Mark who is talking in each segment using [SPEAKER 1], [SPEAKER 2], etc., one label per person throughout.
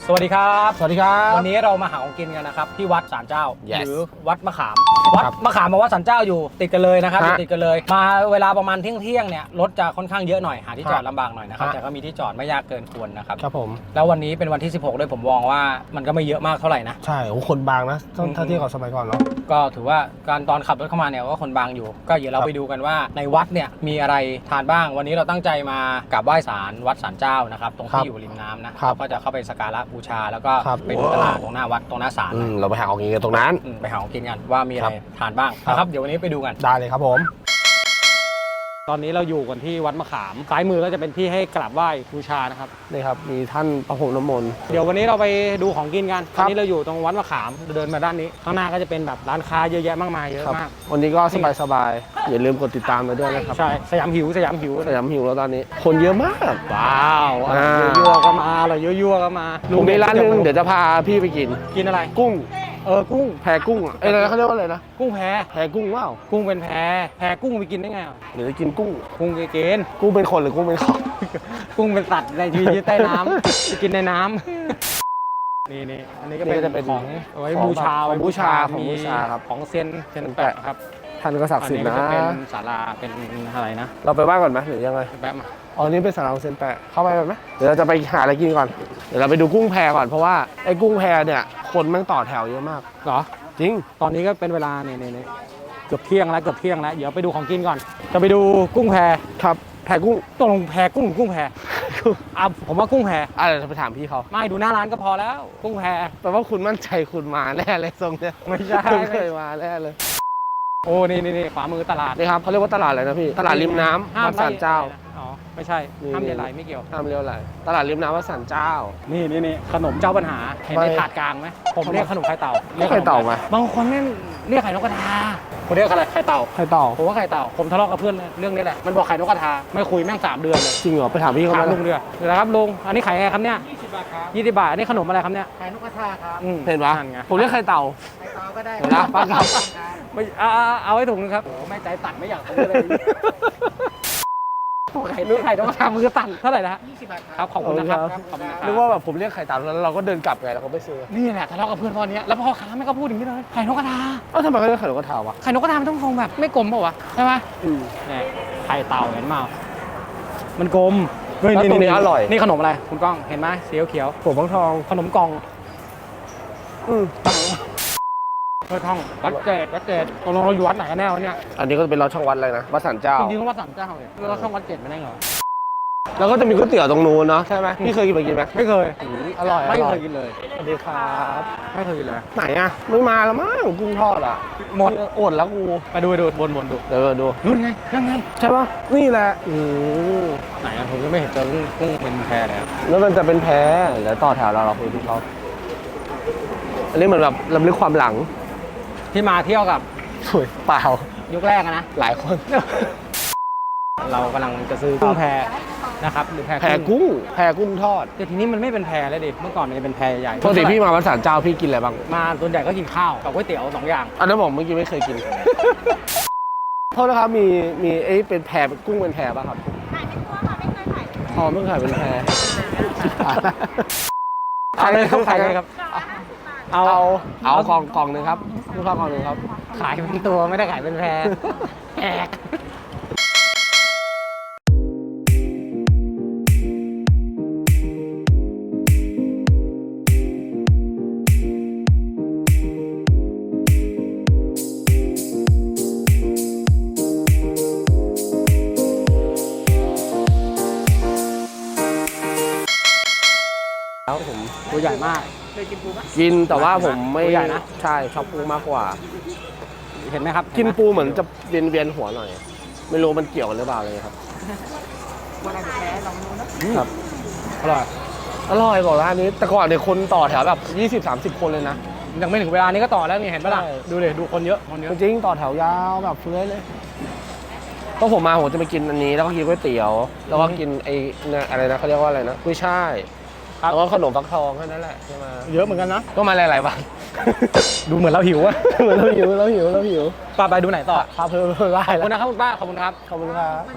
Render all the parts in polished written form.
[SPEAKER 1] สวัสดีครับ
[SPEAKER 2] สวัสดีครับ
[SPEAKER 1] วันนี้เรามาหาของกินกันนะครับที่วัดศาลเจ้า
[SPEAKER 2] Yes
[SPEAKER 1] หรือวัดมะขามวัดมะขามกับวัดศาลเจ้าอยู่ติดกันเลยนะครับติดกันเลยมาเวลาประมาณเที่ยงเนี่ยรถจะค่อนข้างเยอะหน่อยหาที่จอดลำบากหน่อยนะครับแต่ก็มีที่จอดไม่ยากเกินควรนะครับ
[SPEAKER 2] ครับผม
[SPEAKER 1] แล้ววันนี้เป็นวันที่16ด้วยผมมองว่ามันก็ไม่เยอะมากเท่าไหร่นะ
[SPEAKER 2] ใช่โอ้คนบางนะถ้าเทียบกับสมัยก่อนเนาะ
[SPEAKER 1] ก็ถือว่าการตอนขับรถเข้ามาเนี่ยก็คนบางอยู่ก็เดี๋ยวเราไปดูกันว่าในวัดเนี่ยมีอะไรทานบ้างวันนี้เราตั้งใจมากราบไหว้ศาลวัดศาลเจ้านะครับตรงที่อยู่ริมน้ำนะก็จะเข้าไปสักการะบูชาแล้วก็ไปดูตลาดตรงหน้าวัดตรงหน้าศาล
[SPEAKER 2] เราไปหาของกินกันตรงนั้น
[SPEAKER 1] ไปหาของกินกันว่ามีอะไรทานบ้างนะครับเดี๋ยววันนี้ไปดูกัน
[SPEAKER 2] ได้เลยครับผม
[SPEAKER 1] ตอนนี้เราอยู่กันที่วัดมะขามซ้ายมือก็จะเป็นที่ให้กราบไหว้บูชานะครับ
[SPEAKER 2] นี่ครับมีท่านประพรมน้ำมนต์
[SPEAKER 1] เดี๋ยววันนี้เราไปดูของกินกันตอนนี้เราอยู่ตรงวัดมะขามเดินมาด้านนี้ข้างหน้าก็จะเป็นแบบร้านค้าเยอะแยะมากมายเยอะมาก
[SPEAKER 2] วันนี้ก็สบายๆอย่าลืมกดติดตามเราด้วยนะครับ
[SPEAKER 1] ใช่สยามหิว
[SPEAKER 2] แล้วตอนนี้คนเยอะมาก
[SPEAKER 1] ว้าวยั่วก็มาอะไรยั่วก็มา
[SPEAKER 2] ลุงมีร้านนึงเดี๋ยวจะพาพี่ไปกิน
[SPEAKER 1] อะไร
[SPEAKER 2] กุ้ง
[SPEAKER 1] กุ้ง
[SPEAKER 2] แพกุ้งอะไรเขาเรียกว่าอะไรนะ
[SPEAKER 1] กุ้งแพ
[SPEAKER 2] กุ้งว้าว
[SPEAKER 1] กุ้งเป็นแพกุ้งไปกินได้ไง
[SPEAKER 2] หรือจะกินกุ้ง
[SPEAKER 1] ไปกิน
[SPEAKER 2] กุ้งเป็นคนหรือกุ้งเป็นของ
[SPEAKER 1] กุ้งเป็นสัตว์ในชีวิตใต้น้ำไปกินในน้ำนี่อันนี้ก็เป็นของไว้บูชาครับของเซียนแปะครับ
[SPEAKER 2] ท่านก็ศักดิ์สิทธิ์นะ
[SPEAKER 1] เป็นศาลาเป็นอะไรนะ
[SPEAKER 2] เราไปบ้านก่อนไหมหรือยังไง
[SPEAKER 1] แป๊บมา
[SPEAKER 2] นี่เป็นศาลาเซียนแปะเข้าไปไหมเดี๋ยวเราจะไปหาอะไรกินก่อนเดี๋ยวเราไปดูกุ้งแพก่อนเพราะว่าไอ้กุ้งแพเนี่ยคนแม่งต่อแถวเยอะมาก
[SPEAKER 1] เหรอ
[SPEAKER 2] จริง
[SPEAKER 1] ตอนนี้ก็เป็นเวลาเนี่ยเกือบเที่ยงแล้วเดี๋ยวไปดูของกินก่อนจะไปดูกุ้งแพ
[SPEAKER 2] ครับแพกุ้ง
[SPEAKER 1] ตกลงแพกุ้งแพผมว่ากุ้งแพ
[SPEAKER 2] อะไรจะไปถามพี่เขา
[SPEAKER 1] ไม่ดูหน้าร้านก็พอแล้วกุ้งแพ
[SPEAKER 2] แปลว่าคุณมั่นใจคุณมาแน่เลยทรงเนี้ย
[SPEAKER 1] ไม่ใช่
[SPEAKER 2] เคยมาแน่เลย
[SPEAKER 1] โอ้นี่ขวามือตลาด
[SPEAKER 2] นี่ครับเขาเรียกว่าตลาดอะไรนะพี่ตลาดริมน้ำวัดศาลเจ้า
[SPEAKER 1] ไม่ใช่ห้ามเลี้ยวไหลไม่เกี่ยว
[SPEAKER 2] ห้ามเลี้ยวไหลตลาดริมน้ำวัดศาลเจ้า
[SPEAKER 1] นี่ขนมเจ้าปัญหาเห็นในถาดกลางไหมผมเรียกขนมไข่เต่า
[SPEAKER 2] เรียกไข่เต่าไหม
[SPEAKER 1] บางคนเรียกไข่นกกระทาผมเรียกอะไรไข่เต่าผมว่าไข่เต่าผมทะเลาะกับเพื่อนเรื่องนี้แหละมันบอกไข่นกกระทาไม่คุยแม่ง3 เดือนเลย
[SPEAKER 2] จริงเหรอไปถามพี่เขา
[SPEAKER 1] ลุงเดือนะครับลุงอันนี้ไข่ไงครับเนี่ย20 บาทครับ20 บาทอันนี้ขนมอะไรครับเนี่ย
[SPEAKER 3] ไข่นกกระทาครับ
[SPEAKER 2] เห็นปะผมเรียกไข่เต่า
[SPEAKER 3] ก็ได้
[SPEAKER 2] นะป้าครับ
[SPEAKER 1] ไม่เอาไว้ถุงนึงครับโอ้ไม่ใจตัดไม่อยากซื้อเลยไข่นกกระทามือตันเท่าไหร่นะ
[SPEAKER 3] 20 บาท
[SPEAKER 1] ครับขอบคุณนะครับ
[SPEAKER 2] นึกว่าแบบผมเรียกไข่เต่าแล้วเราก็เดินกลับไงเราก็ไม่ซื้อ
[SPEAKER 1] นี่แหละทะเลาะกับเพื่อนตอนนี้แล้วพ่อค้าไม่ก็พูดอย่างนี้เลยไข่นกกระทา
[SPEAKER 2] ทำไมเขาเรียกไข่นกกระทาวะ
[SPEAKER 1] ไข่นกกระทามันต้องคงแบบไม่กลมป่าววะใช่ไหมเนี่ยไข่เต่าเห็นมั้ยมันกลม
[SPEAKER 2] นี่อร่อย
[SPEAKER 1] นี่ขนมอะไรคุณก้องเห็นไหมสีเขียว
[SPEAKER 2] ผมทอง
[SPEAKER 1] ขนมกล่องท่องวัดเกตเราอยู่วัดไหนกันแน่วะเนี่ย
[SPEAKER 2] อันนี้ก็จะเป็นเราช่องวัดอะไรนะวัดศาลเจ้า
[SPEAKER 1] จริงๆวัดศาลเจ้าเลยเราช่องวัดเกตไม่ได้เหรอ
[SPEAKER 2] แล้วก็จะมีก๋วยเตี๋ยวตรงนู้นเนาะใช่ไหมพี่เคยกินไหม
[SPEAKER 1] ไม่เคย
[SPEAKER 2] อร่อย
[SPEAKER 1] ไม่เคยกินเลย
[SPEAKER 2] สวัสดีครับ
[SPEAKER 1] ไม่เคยกินเลย
[SPEAKER 2] ไหนอะไม่มาแล้วมั้งกุ้งทอดอะ
[SPEAKER 1] หมด
[SPEAKER 2] อดแล้วกู
[SPEAKER 1] ไปดูวนดู
[SPEAKER 2] เดี๋ยวดู
[SPEAKER 1] นู่นไง
[SPEAKER 2] ใช่ปะนี่แหละ
[SPEAKER 1] ไหนผมก็ไม่เห็นเจอกุ้งเป็นแพเลย
[SPEAKER 2] แล้วมันจะเป็นแพแล้วต่อแถวเราคุยที่เขาอันนี้เหมือนแบบรำลึกความหลัง
[SPEAKER 1] ที่มาเที่ยวกับ
[SPEAKER 2] สวยเปล่า
[SPEAKER 1] ยุคแรกนะ
[SPEAKER 2] หลายคน
[SPEAKER 1] เรากำลังจะซื้อกุ้งแพนะครับหรือแพ
[SPEAKER 2] กุ้งทอด
[SPEAKER 1] แต่ทีนี้มันไม่เป็นแพแล้วดิเมื่อก่อนมันจะเป็นแพใหญ่
[SPEAKER 2] ปกติพี่มาวัดศาลเจ้าพี่กินอะไรบ้าง
[SPEAKER 1] มาส่วนใหญ่ก็กินข้าวกับก๋วยเตี๋ยว2 อย่าง
[SPEAKER 2] อันนั้นผมเมื่อกี้ไม่เคยกินโทษนะครับมีเป็นแพกุ้งเป็นแพป่ะครับ
[SPEAKER 3] ขายเป็นตัวค่ะไม่เคยขาย
[SPEAKER 2] ไม่ขายเป็นแพ
[SPEAKER 1] ขายเลยครับ
[SPEAKER 2] เอากล่องนึงครับลูกค้ากล่องนึงครับ
[SPEAKER 1] ขายเป็นตัวไม่ได้ขายเป็นแพแอกแล้วผมตัวใหญ่มาก
[SPEAKER 3] เคยกินปูไหม
[SPEAKER 2] กินแต่ว่าผมไม่ใหญ่นะใช่ชอบปูมากกว่า
[SPEAKER 1] เห็นไหมครับ
[SPEAKER 2] กินปูเหมือนจะเวียนหัวหน่อยไม่รู้มันเกี่ยวกันหรือเปล่าเลยครับ
[SPEAKER 3] วันไหนแพ้ลองดูนะครับ
[SPEAKER 2] อร่อยบอกร้านนี้แต่ก่อนเนี่ยคนต่อแถวแบบ20-30 คนเลยนะ
[SPEAKER 1] ยังไม่ถึงเวลานี้ก็ต่อแล้วนี่เห็นปะล่ะดูเลยดูคนเยอะ
[SPEAKER 2] จริงต่อแถวยาวแบบเฟื้อยเลยก็ผมมาผมจะไปกินอันนี้แล้วก็กินก๋วยเตี๋ยวแล้วก็กินไอ้อะไรนะเขาเรียกว่าอะไรนะกุ้ยช่ายแล้วก็ขนมฟักทองแค่นั้นแหละใช่ไหม
[SPEAKER 1] เยอะเหมือนกันนะ
[SPEAKER 2] ก็มาหลายๆวัน
[SPEAKER 1] ดูเหมือนเราหิวอะ
[SPEAKER 2] เหมือนเราหิวป้า
[SPEAKER 1] ไปดูไหนต่อ
[SPEAKER 2] พาเพิ่มได้
[SPEAKER 1] ขอบคุณนะครับคุณป้าขอบคุณครับ
[SPEAKER 2] ขอบคุณครับ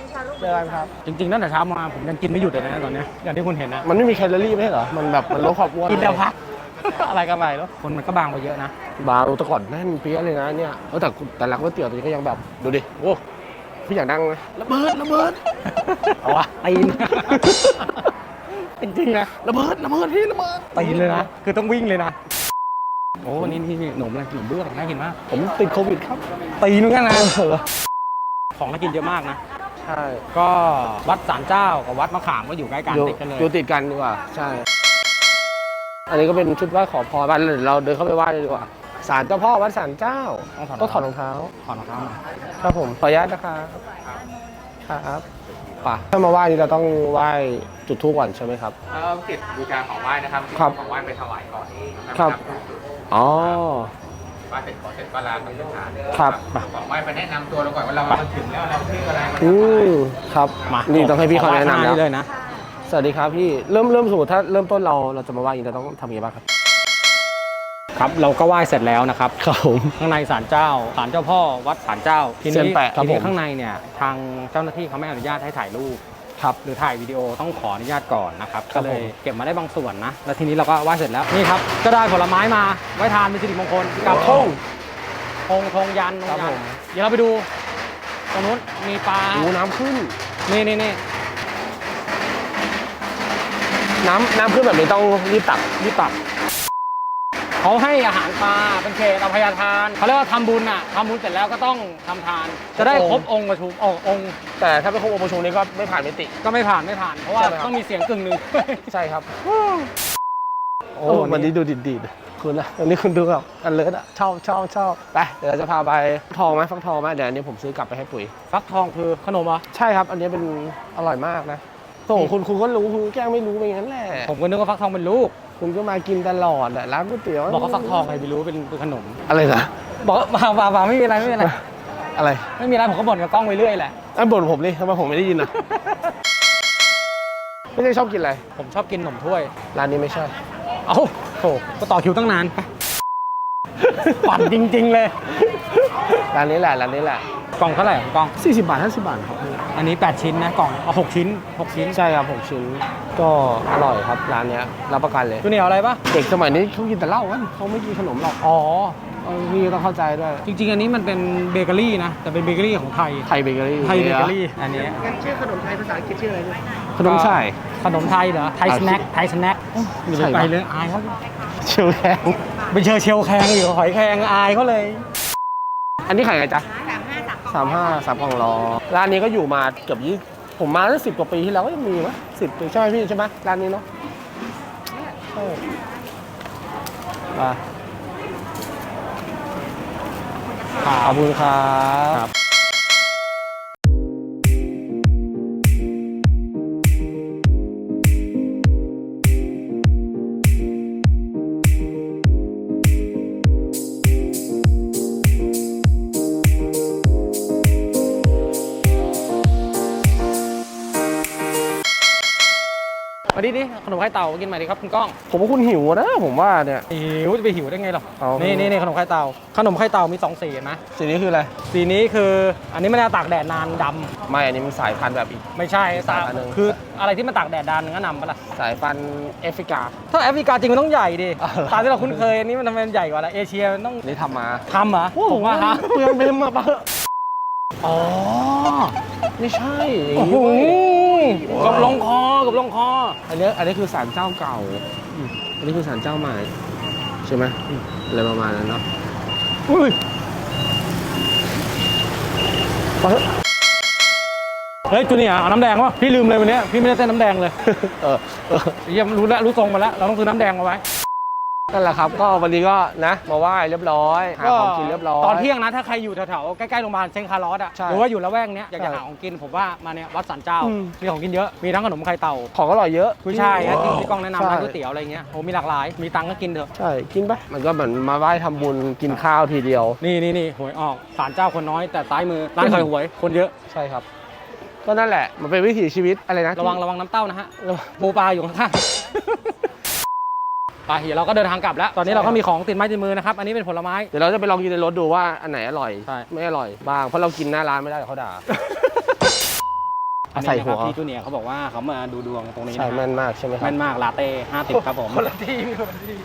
[SPEAKER 2] เจอกันครับ
[SPEAKER 1] จริงๆตั้งแต่เช้ามาผมยังกินไม่หยุดเลยนะตอนเนี้ยอย่างที่คุณเห็นนะ
[SPEAKER 2] มันไม่มีแคลอรี่ไม่ใช่เหรอมันแบบมันลดความอ้วน
[SPEAKER 1] กินแล้วพัก
[SPEAKER 2] อะไรกันไปแล้ว
[SPEAKER 1] คนมันก็บางไปเยอะนะ
[SPEAKER 2] บาร์แต่ก่อนแน่นเปี้ยเลยนะเนี่ยแต่ร้านก๋วยเตี๋ยวตัวนี้ก็ยังแบบดูดิโอ้พี่อยากนั่งไหมระเบิดเอาวะ
[SPEAKER 1] ตีน จริงๆนะ
[SPEAKER 2] ระเบิดพี่ระเบิด
[SPEAKER 1] ตีนเลยนะคือต้องวิ่งเลยนะโอ้นี่ขนมอะไรขนมเบื้องน่ากินมาก
[SPEAKER 2] ผมติดโควิดครับ
[SPEAKER 1] ตีนเหมือนกันนะของน่ากินเยอะมากนะ
[SPEAKER 2] ใช่
[SPEAKER 1] ก็วัดศาลเจ้ากับวัดมะขามก็อยู่ใกล้กัน
[SPEAKER 2] อยู่
[SPEAKER 1] ติดกันเลย
[SPEAKER 2] อยู่ติดกันดีกว่าใช่ อันนี้ก็เป็นชุดไหว้ขอพรบ้านเราเดินเข้าไปไหว้เลยดีกว่าศาลเจ้าพ่อวัดศาลเจ้าต้องถอดรองเท้า
[SPEAKER 1] ถอดรองเท้ามา
[SPEAKER 2] ครับผมขออนุญาตนะครับครับป่ะถ้ามาไหว้นี่เราต้องไหว้จุดธูปก่อนใช่ไหมครับ
[SPEAKER 1] ติดบูชาของไหว้นะครับ
[SPEAKER 2] ครับ
[SPEAKER 1] ของไหว้ไปถวายก่อน
[SPEAKER 2] ครับอ๋อ
[SPEAKER 1] ไหว้เสร็จขอเสร็จก็ลาไปที่ฐาน
[SPEAKER 2] ครับ
[SPEAKER 1] ของไหว้ไปแนะนำตัวเราก่อนว่าเรามาถึงแล้วเราชื่ออะไร
[SPEAKER 2] ครับ
[SPEAKER 1] มา
[SPEAKER 2] นี่ต้องให้พี่เขาแนะนำ
[SPEAKER 1] ขอไหว้ข้างห
[SPEAKER 2] แล้ว
[SPEAKER 1] เลยนะ
[SPEAKER 2] สวัสดีครับพี่เริ่มสมมติถ้าเริ่มต้นเราจะมาไหว้อย่างนี้เราต้องทำยังไงบ้างครับ
[SPEAKER 1] ครับเราก็ไหว้เสร็จแล้วนะครับ
[SPEAKER 2] ครับผม
[SPEAKER 1] ข้างในศาลเจ้าศาลเจ้าพ่อวัดศาลเจ้าที
[SPEAKER 2] เซีย
[SPEAKER 1] นี้
[SPEAKER 2] นแปะครับ
[SPEAKER 1] ทีนี้
[SPEAKER 2] ผม
[SPEAKER 1] ข้างในเนี่ยทางเจ้าหน้าที่เขาไม่อนุญาตให้ถ่ายรูป
[SPEAKER 2] ครับ
[SPEAKER 1] หรือถ่ายวิดีโอต้องขออนุญาตก่อนนะครับ
[SPEAKER 2] ครั
[SPEAKER 1] ก็
[SPEAKER 2] บ
[SPEAKER 1] เลย
[SPEAKER 2] ผม
[SPEAKER 1] เก็บมาได้บางส่วนนะแล้วทีนี้เราก็ไหว้เสร็จแล้วนี่ครับก็ได้ผลไม้มาไว้ทานเป็นสิริมงคลกับธงธงยัน
[SPEAKER 2] ครับผม
[SPEAKER 1] เดี๋ยวเราไปดูตรงนู้นมีปลา
[SPEAKER 2] น้ำขึ้น
[SPEAKER 1] นี่
[SPEAKER 2] น้ำขึ้นแบบนี้ต้องรีบตัก
[SPEAKER 1] นี่ตับเขาให้อาหารปลาเป็นเขตอภัยทานเขาเรียกว่าทำบุญอ่ะทำบุญเสร็จแล้วก็ต้องทำทาน จะได้ครบองค์ประชุมองค์
[SPEAKER 2] แต่ถ้าเป็นครบองค์ประชุมนี้ก็ไม่ผ่านมิติ
[SPEAKER 1] ก็ไม่ผ่านเพราะว่า
[SPEAKER 2] ใช่ไหมครับ
[SPEAKER 1] ต้องมีเสียงกึ่งหนึ่ง
[SPEAKER 2] ใช่ครับ
[SPEAKER 1] โอ้
[SPEAKER 2] วันนี้ดูดีดๆคุณนะวันนี้คุณดูแบบอันเลิศอ่ะชอบไปเดี๋ยวเราจะพาไปทองไหมฟักทองไหมเดี๋ยวอันนี้ผมซื้อกลับไปให้ปุ๋ย
[SPEAKER 1] ฟักทองคือขนมเหรอ
[SPEAKER 2] ใช่ครับ อันนี้เป็นอร่อยมากนะส่งคุณก็รู้คุณแกล้งไม่รู้ไปงั้นแหละ
[SPEAKER 1] ผมก็นึกว่าฟักทองเป็นลูก
[SPEAKER 2] คุณก็มากินตลอดอะร้านก๋วยเตี๋ยว
[SPEAKER 1] บอกว่าฟักทองใครไม่รู้เป็นขนม
[SPEAKER 2] อะไรนะ
[SPEAKER 1] บอกว่าไม่มีอะไร
[SPEAKER 2] อะไร
[SPEAKER 1] ไม่มีอะไรผมก็บ่นกับกล้องไปเรื่อยแหละ
[SPEAKER 2] อันบ่นผมเลยทำไมผมไม่ได้ยินอ่ะ ไม่ได้ชอบกินอะไร
[SPEAKER 1] ผมชอบกินขนมถ้วย
[SPEAKER 2] ร้านนี้ไม่ใช่
[SPEAKER 1] เอ้าโถก็ต่อคิวตั้งนานไปปั่นจริงๆเลย
[SPEAKER 2] ร้านนี้แหละ
[SPEAKER 1] กล่องเท่าไหร่ของกล่อง
[SPEAKER 2] 40 บาท 50 บาทครับ
[SPEAKER 1] อันนี้8ชิ้นนะกล่องเอา6ชิ้น
[SPEAKER 2] ใช่ครับผมชิ้นก็อร่อยครับร้านเนี้ยรับประกันเลย
[SPEAKER 1] จูเนียร์อะไรปะ
[SPEAKER 2] เด็กสมัยนี้เขากินแต่เหล้ากันเขาไม่กินขนมหรอก
[SPEAKER 1] อ๋อ
[SPEAKER 2] พี่ต้องเข้าใจด้วย
[SPEAKER 1] จริงๆ อันนี้มันเป็นเบเกอรี่นะ แต่เป็นเบเกอรี่ของไทย
[SPEAKER 2] ไทยเบเกอรี่
[SPEAKER 1] ไทยเบเกอรี่ อันนี้
[SPEAKER 3] งั้นชื่อขนมไทยภาษาอังกฤษชื่ออะไรด้วย
[SPEAKER 2] ขนมใช่
[SPEAKER 1] ขนมไทยเหรอ ไทยสแน็ค ไทยสแน็คอย่า
[SPEAKER 2] ใช่
[SPEAKER 1] ไป
[SPEAKER 2] ปะ
[SPEAKER 1] ไปเลยอายเขา
[SPEAKER 2] เชียวแคง
[SPEAKER 1] ไปเชลแคงอยู่หอยแคงอายเขาเลย
[SPEAKER 2] อันนี้ขายไงจ๊ะ
[SPEAKER 3] 35
[SPEAKER 2] 3 กล่องรอร้านนี้ก็อยู่มาเกือบ20ผมมาตั้ง10 กว่าปีที่แล้วก็ยังมีมั้ย10 ปีใช่ไหมพี่ใช่ไหมร้านนี้เนาะใช่ขอบคุณครับ
[SPEAKER 1] มาดิขนมไข่เต่ากินใหม่ดิครับคุณก้อง
[SPEAKER 2] ผมว่าคุณหิวนะผมว่าเนี่ย
[SPEAKER 1] หิวจะไปหิวได้ไงหรอ
[SPEAKER 2] เอา
[SPEAKER 1] นี่ขนมไข่เต่ามี2สีเห็นไหม
[SPEAKER 2] สีนี้คืออะไร
[SPEAKER 1] สีนี้คืออันนี้ไม่ได้ตากแดดนานดำ
[SPEAKER 2] ไม่อันนี้มันสายพันธุ์แบบอีก
[SPEAKER 1] ไม่ใช่
[SPEAKER 2] สายพันธุ์หนึ่ง
[SPEAKER 1] คืออะไรที่มันตากแดดนานงั้นนำปะล่ะ
[SPEAKER 2] สายพันธุ์แอฟริกา
[SPEAKER 1] ถ้าแอฟริกาจริงมันต้องใหญ่ดิ
[SPEAKER 2] อ๋อเหรอ
[SPEAKER 1] ตามที่เราคุ้นเคยอันนี้มันทำไมมันใหญ่กว่าล่ะเอเชียมันต้อง
[SPEAKER 2] นี่ทำมา
[SPEAKER 1] ทำเหรอผมว่าฮะ
[SPEAKER 2] เปลืองเบมมาปะ
[SPEAKER 1] อ๋อ
[SPEAKER 2] ไม่ใช่อย่าง
[SPEAKER 1] โอ้
[SPEAKER 2] นี้
[SPEAKER 1] โห
[SPEAKER 2] เว้ย
[SPEAKER 1] กับลงคอ
[SPEAKER 2] อันนี้คือศาลเจ้าเก่าอันนี้คือศาลเจ้าใหม่ใช่ไหมอะไรประมาณนั้นเนาะ
[SPEAKER 1] อุ้ยเฮ้ยจูเนียร์เอาน้ำแดงวะพี่ลืมเลยวันนี้พี่ไม่ได้เต้นน้ำแดงเลย
[SPEAKER 2] เออ
[SPEAKER 1] เยี่ยมรู้ทรงมาแล้วเราต้องซื้อน้ำแดงมาไว้
[SPEAKER 2] นั่นแหละครับ ก็วันนี้ก็นะมาไหว้เรียบร้อยหาของกินเรียบร้อย
[SPEAKER 1] ตอนเที่ยงนะถ้าใครอยู่แถวๆใกล้ๆโรงพยาบาลเซนต์คาร์ลอสอ่ะ
[SPEAKER 2] ใช่
[SPEAKER 1] หรือว่าอยู่ละแวกเนี้ยอยาก
[SPEAKER 2] ใช่
[SPEAKER 1] จะหาของกินผมว่ามาเนี่ยวัดสันเจ้า
[SPEAKER 2] อืม
[SPEAKER 1] มีของกินเยอะมีทั้งขนมไข่เต่า
[SPEAKER 2] ของอร่อยเยอะ
[SPEAKER 1] กุ้ยช่ายนะที่พี่ก้องแนะนำร้าน
[SPEAKER 2] ใช่
[SPEAKER 1] ก๋วยเตี๋ยวอะไรเงี้ยโอ้มีหลากหลายมีตังค์ก็กินเถอะ
[SPEAKER 2] ใช่กินปะมันก็เหมือนมาไหว้ทำบุญกินข้าวทีเดียว
[SPEAKER 1] นี่หวยออกศาลเจ้าคนน้อยแต่ซ้ายมือร้านขายหวยคนเยอะ
[SPEAKER 2] ใช่ครับ ก็นั่นแหละมันเป็นวิถีชีวิตอะไรนะ
[SPEAKER 1] ระวังน้ำเต้านะฮะปูปลาอยู่ข้างๆไปเดี๋ยวเราก็เดินทางกลับแล้ว ตอนนี้เราก็มีของติดไม้ติดมือนะครับอันนี้เป็นผลไม้
[SPEAKER 2] เดี๋ยวเราจะไปลองกินในรถดูว่าอันไหนอร่อย
[SPEAKER 1] ใช่
[SPEAKER 2] ไม่อร่อยบ้างเพราะเรากินหน้าร้านไม่ได้เดี๋ยวเขาด่า
[SPEAKER 1] อันนี้
[SPEAKER 2] ใส่
[SPEAKER 1] นะ
[SPEAKER 2] หั
[SPEAKER 1] คว รับพี่จูเนียร์เขาบอกว่าเขามาดูดวงตรงนี้
[SPEAKER 2] ใช่
[SPEAKER 1] นะ
[SPEAKER 2] แม่นมากใช่ไหมครับ
[SPEAKER 1] แม่นมากลาเต้50ครับผม
[SPEAKER 2] คนละที่คนละที่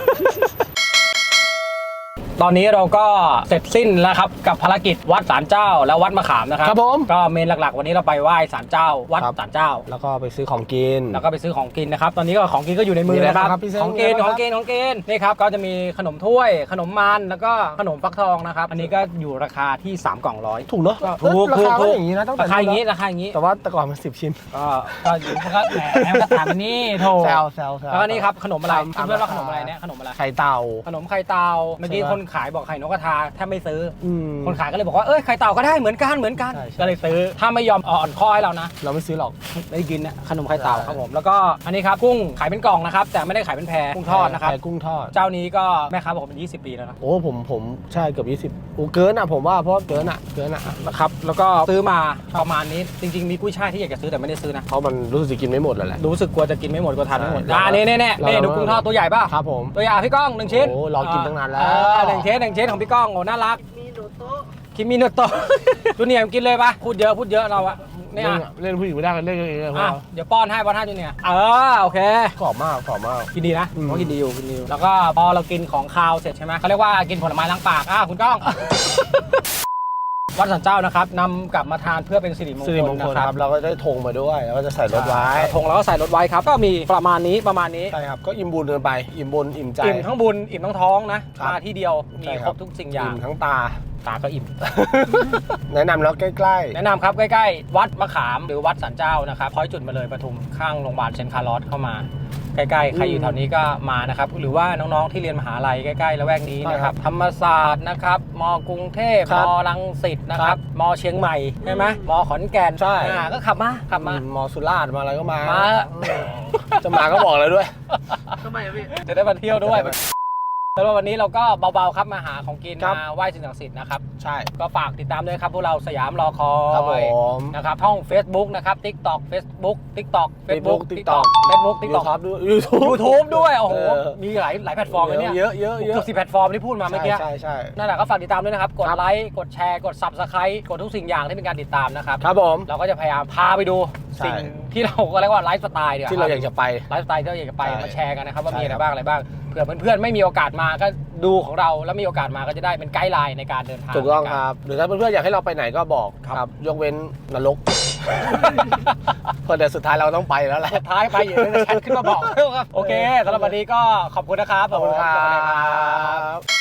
[SPEAKER 1] ตอนนี้เราก็เสร็จสิ้นแล้วครับกับภารกิจวัดศาลเจ้าและวัดมะขามนะครับ
[SPEAKER 2] ครับผม
[SPEAKER 1] ก็เมนหลักๆ วันนี้เราไปไหว้ศาลเจ้า วัด
[SPEAKER 2] ครับ
[SPEAKER 1] ศาลเจ้า
[SPEAKER 2] แล้วก็ไปซื้อของกิน
[SPEAKER 1] แล้วก็ไปซื้อของกินนะครับ ตอนนี้ก็ของกินก็อยู่ในมือ
[SPEAKER 2] มีอะไร
[SPEAKER 1] นะครับ
[SPEAKER 2] บ้างครับพี่เซ้ง
[SPEAKER 1] ของกิน
[SPEAKER 2] มีอะไร
[SPEAKER 1] ข
[SPEAKER 2] บ้าง
[SPEAKER 1] องกินของกินนี่ครับก็จะมีขนมถ้วย ขนมมันแล้วก็ขนมฟักทองนะครับ อันนี้ก็อยู่ราคาที่3กล่องร้อย
[SPEAKER 2] ถูกเนอะ
[SPEAKER 1] ถูก
[SPEAKER 2] ราคา
[SPEAKER 1] ถู
[SPEAKER 2] ก็
[SPEAKER 1] ก
[SPEAKER 2] อย่างนี้นะตั้งแต่
[SPEAKER 1] ราคาอย่างนี้
[SPEAKER 2] นี้
[SPEAKER 1] ราคาอย่างนี้
[SPEAKER 2] แต่ว่าแต่ก่อนมัน10 ชิ้น
[SPEAKER 1] ก็อยู่ก็แหมก็ถามอันนี้โถ
[SPEAKER 2] แซวแซว
[SPEAKER 1] แล้วก็นี่ครับขนมอะไร
[SPEAKER 2] ตาม
[SPEAKER 1] เพื่อนๆว่า
[SPEAKER 2] ราคา
[SPEAKER 1] ขนมอะไรเนี่ยขนมอะไร
[SPEAKER 2] ไข่เต่า
[SPEAKER 1] ขนมไข่เต่าเมื่อกี้
[SPEAKER 2] ใช่ปะ
[SPEAKER 1] คนขายบอกไข่นกกระทาแทบไม่ซื้อ คน
[SPEAKER 2] ใ
[SPEAKER 1] ขายก็เลยบอกว่าเอ้ยไข่เต่าก็ได้เหมือนกันเหมือนกัน
[SPEAKER 2] ใช่ใช่
[SPEAKER 1] ก็เลยซื้อถ้าไม่ยอมอ่อนข้อให้เรานะ
[SPEAKER 2] เราไม่ซื้อหรอก
[SPEAKER 1] ได้กินนะขนมไข่เต่า
[SPEAKER 2] ใช่
[SPEAKER 1] ครับผมแล้วก็อันนี้ครับกุ้งขายเป็นกล่องนะครับแต่ไม่ได้ขายเป็นแพรกุ้งทอดนะครับ
[SPEAKER 2] ไข่กุ้งทอด
[SPEAKER 1] เจ้านี้ก็แม่ค้าบอกเป็น20 ปีแล้วนะ
[SPEAKER 2] โอ้ผมใช่เกือบ20โอ้เกินอ่ะผมว่าเพราะเกินอ่ะ
[SPEAKER 1] นะครับแล้วก็ซื้อมาประมาณนี้จริงๆมีกุ้ยช่ายที่อยากจะซื้อแต่ไม่ได้ซื้อนะ
[SPEAKER 2] เพราะมันรู้สึกจะกินไม่หมดแล้วแหละ
[SPEAKER 1] รู้สึกกลัวจะกินไม่หมดกลัวทานไม่หมด
[SPEAKER 2] ใช่
[SPEAKER 1] นี่นี่
[SPEAKER 2] เรา
[SPEAKER 1] นี่ดูกุ้งทอดตัวใหญ่ป่ะ
[SPEAKER 2] ครับผม
[SPEAKER 1] ตัวใหญ่พี่ก้อง1 ชิ้น
[SPEAKER 2] โอ้รอกินตั้งนานแล้ว
[SPEAKER 1] หนึ่งชิ้นของพี่ก้องโอ้น่ารัก
[SPEAKER 3] มีโดโต๊ะ
[SPEAKER 1] คิมิโนโตะ จูเนียร์กินเลยปะพูดเยอะเราอะเนี่ย
[SPEAKER 2] เล่นผู้หญิงไม่ได้กันเล่นกันเองเลยพวก
[SPEAKER 1] อ่ะ
[SPEAKER 2] เรา
[SPEAKER 1] เดี๋ยวป้อนให้จูเนียร์โอเค
[SPEAKER 2] กรอบมาก
[SPEAKER 1] กินดีนะ
[SPEAKER 2] อืม
[SPEAKER 1] ผมว่ากินดีอยู่แล้วก็พอเรากินของคาวเสร็จใช่ไหมเขาเรียกว่ากินผลไม้ล้างปากคุณก้อง วัดศาลเจ้านะครับนำกลับมาทานเพื่อเป็นสิริมง
[SPEAKER 2] สิริ
[SPEAKER 1] ค
[SPEAKER 2] ม
[SPEAKER 1] ล
[SPEAKER 2] งค
[SPEAKER 1] นะ
[SPEAKER 2] ล
[SPEAKER 1] ค
[SPEAKER 2] ค
[SPEAKER 1] รั
[SPEAKER 2] รั
[SPEAKER 1] บบ
[SPEAKER 2] เราก็ได้ธงมาด้วยแล้วก็จะใส่รถไว้
[SPEAKER 1] ธงเราก็ใส่รถไว้ครับก็มีประมาณนี้
[SPEAKER 2] ใช่ครับก็อิ่มบุญกันไปอิ่มบุญอิ่มใจ
[SPEAKER 1] อิ่มทั้งบุญอิ่มทั้งท้องนะครับ มาที่เดียวมี
[SPEAKER 2] ใช่
[SPEAKER 1] ค
[SPEAKER 2] ค
[SPEAKER 1] ร
[SPEAKER 2] รั
[SPEAKER 1] บบ ทุกสิ่งอย่าง
[SPEAKER 2] อิ่มทั้งตา
[SPEAKER 1] ตาก็อิ่ม
[SPEAKER 2] แนะนำแล้วใกล้
[SPEAKER 1] แนะนำครับใกล้ๆวัดมะขามหรือวัดสันเจ้านะครับพ้อยจุดมาเลยปทุมข้างโรงพยาบาลเซนต์คาร์ลอสเข้ามาใกล้ๆใครอยู่แถวนี้ก็มานะครับหรือว่าน้องๆที่เรียนมหาลัยใกล้ๆละแวกนี้นะครับธรรมศาสตร์นะครับมกรุงเทพมรังสิตนะครับมเชียงใหม่ใช่ไหมมขอนแก่นก็ขับมา
[SPEAKER 2] ๆมอสุราษฎร์มาอะไรก็มา
[SPEAKER 1] มา
[SPEAKER 2] จะมาก็บอกเลยด้วย
[SPEAKER 3] ทำไมอะพี่
[SPEAKER 1] จะได้มาเที่ยวด้วยแต่ว่าวันนี้เราก็เบาๆครับมาหาของกิน
[SPEAKER 2] ครับ
[SPEAKER 1] มาไหว้สิ่งศักดิ์สิทธิ์นะครับ
[SPEAKER 2] ใช่
[SPEAKER 1] ก็ฝากติดตามด้วยครับพวกเราสยามรอคอ
[SPEAKER 2] ครับผ
[SPEAKER 1] ย
[SPEAKER 2] ม
[SPEAKER 1] นะครับช่อง Facebook นะครับ TikTok Facebook TikTok
[SPEAKER 2] Facebook
[SPEAKER 1] TikTok
[SPEAKER 2] YouTube ด้วย YouTube
[SPEAKER 1] YouTube ด้วยโอ้โห
[SPEAKER 2] เออ
[SPEAKER 1] มีหลายแพลตฟอร์มเลยเนี่ย
[SPEAKER 2] เยอะเกือบ
[SPEAKER 1] 10 แพลตฟอร์มที่พูดมาเมื่อกี้
[SPEAKER 2] ใช่
[SPEAKER 1] นั่นแหละก็ฝากติดตามด้วยนะครับ กด
[SPEAKER 2] ครับ
[SPEAKER 1] ไลค์กดแชร์กด Subscribe กดทุกสิ่งอย่างที่เป็นการติดตามนะครับ
[SPEAKER 2] ครับผม
[SPEAKER 1] เราก็จะพยายามพาไปดู
[SPEAKER 2] ใช่
[SPEAKER 1] สิ่งที่เราก็เรียกว่าไลฟ์สไตล์เดี๋ยว
[SPEAKER 2] ที่เราอยากจะไป
[SPEAKER 1] ไลฟ์สไตล์ที่เราอยากจะไป
[SPEAKER 2] ใช่
[SPEAKER 1] มาแชร์กันนะครับว่ามี
[SPEAKER 2] ใช่
[SPEAKER 1] อะไรบ้างเผื่อเพื่อนๆไม่มีโอกาสมาก็ดูของเราแล้วมีโอกาสมาก็จะได้เป็นไกด์ไลน์ในการเดินทาง
[SPEAKER 2] ถูกต้องครับ หรือถ้าเพื่อนๆอยากให้เราไปไหนก็บอก
[SPEAKER 1] ครับ
[SPEAKER 2] ยกเว้นนรก เพราะเดี๋ยวสุดท้ายเราต้องไปแล้วแหละ
[SPEAKER 1] สุดท้ายไปอยู่ในแชทขึ้นมาบอก โอเคสำหรับวันนี้ก็ขอบคุณนะครับ
[SPEAKER 2] ขอบคุณครับ